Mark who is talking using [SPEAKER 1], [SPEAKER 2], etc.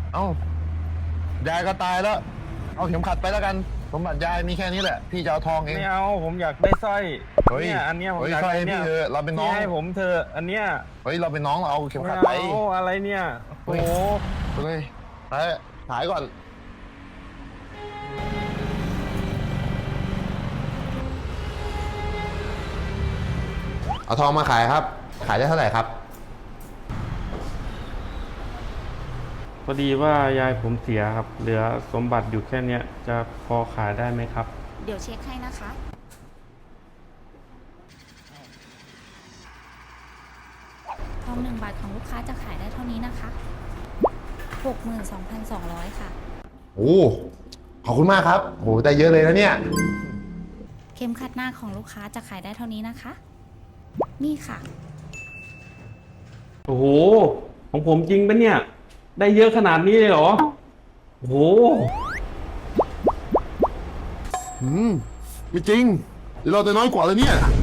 [SPEAKER 1] เอ้ายายก็ตายแล้วเอาเข็มขัดไปแล้วกันสมบัติยายมีแค่นี้แหละพี่จะเอาทองเอง
[SPEAKER 2] ไม่เอาผมอยากได้สร้อยเนี่ยอันเนี้ยผมอยากได้เนี่ย
[SPEAKER 1] เราเป็นน้อง
[SPEAKER 2] ให้ผมเธออันเนี้ย
[SPEAKER 1] เฮ้ยเราเป็นน้องเราเอาเข็มขัดไป
[SPEAKER 2] อะไรเนี่ยโอ้
[SPEAKER 1] เลยไปถ่ายก่อนเอาทองมาขายครับขายได้เท่าไหร่ครับ
[SPEAKER 3] พอดีว่ายายผมเสียครับเหลือสมบัติอยู่แค่เนี้ยจะพอขายได้ไหมครับ
[SPEAKER 4] เดี๋ยวเช็คให้นะคะทอง1 บาทของลูกค้าจะขายได้เท่านี้นะคะ 62,200 ค่ะ
[SPEAKER 1] โอ้ขอบคุณมากครับโหได้เยอะเลยนะเนี่ย
[SPEAKER 4] เข็มขัดหน้าของลูกค้าจะขายได้เท่านี้นะคะนี่ค่ะ
[SPEAKER 3] โอ้โหของผมจริงปะเนี่ยได้เยอะขนาดนี้เลยเหรอโอ้โห
[SPEAKER 1] ไม่จริงเราจะน้อยกว่าเลยเนี่ย